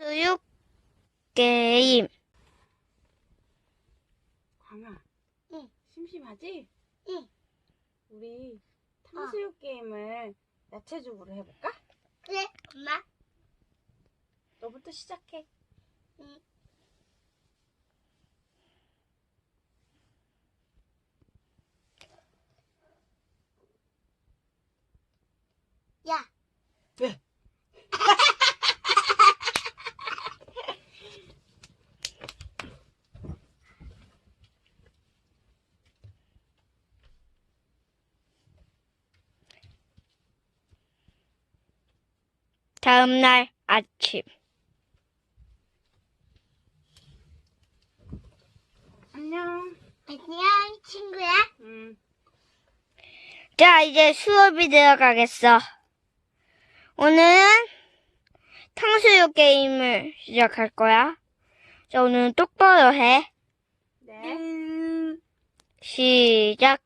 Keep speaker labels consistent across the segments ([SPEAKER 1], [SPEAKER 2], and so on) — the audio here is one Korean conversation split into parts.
[SPEAKER 1] 수육 게임.
[SPEAKER 2] 광아,
[SPEAKER 3] 응.
[SPEAKER 2] 심심하지?
[SPEAKER 3] 응.
[SPEAKER 2] 우리 탕수육 게임을 야채죽으로 해볼까?
[SPEAKER 3] 그래, 엄마.
[SPEAKER 2] 너부터 시작해.
[SPEAKER 3] 응. 야,
[SPEAKER 2] 왜?
[SPEAKER 1] 다음날 아침.
[SPEAKER 2] 안녕.
[SPEAKER 3] 안녕, 친구야.
[SPEAKER 1] 자, 이제 수업이 들어가겠어. 오늘은 탕수육 게임을 시작할 거야. 자, 오늘은 똑바로 해.
[SPEAKER 2] 네.
[SPEAKER 1] 시작.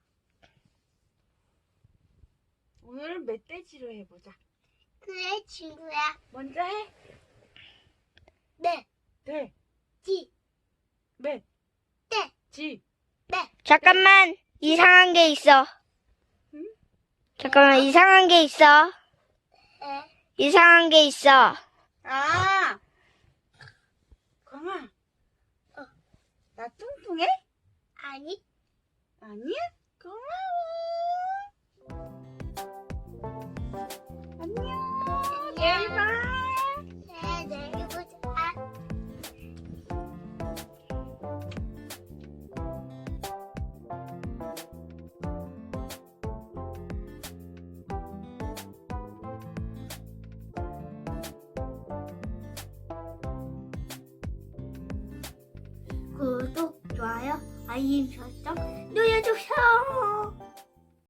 [SPEAKER 2] 오늘은 멧돼지로 해보자.
[SPEAKER 3] 그래, 친구야.
[SPEAKER 2] 먼저 해.
[SPEAKER 3] 네,
[SPEAKER 2] 네.
[SPEAKER 3] 지,
[SPEAKER 2] 멧.
[SPEAKER 3] 네,
[SPEAKER 2] 지.
[SPEAKER 3] 네.
[SPEAKER 1] 잠깐만, 이상한 게 있어.
[SPEAKER 2] 응?
[SPEAKER 1] 잠깐만, 이상한 게 있어.
[SPEAKER 3] 네.
[SPEAKER 1] 이상한 게 있어.
[SPEAKER 2] 아! 광아.
[SPEAKER 3] 어.
[SPEAKER 2] 나 뚱뚱해?
[SPEAKER 3] 아니,
[SPEAKER 2] 아니야? 고마워. 안녕. 내일 봐.
[SPEAKER 3] 네, 내일 보자. 구독, 좋아요, 알림 설정 눌러주세요.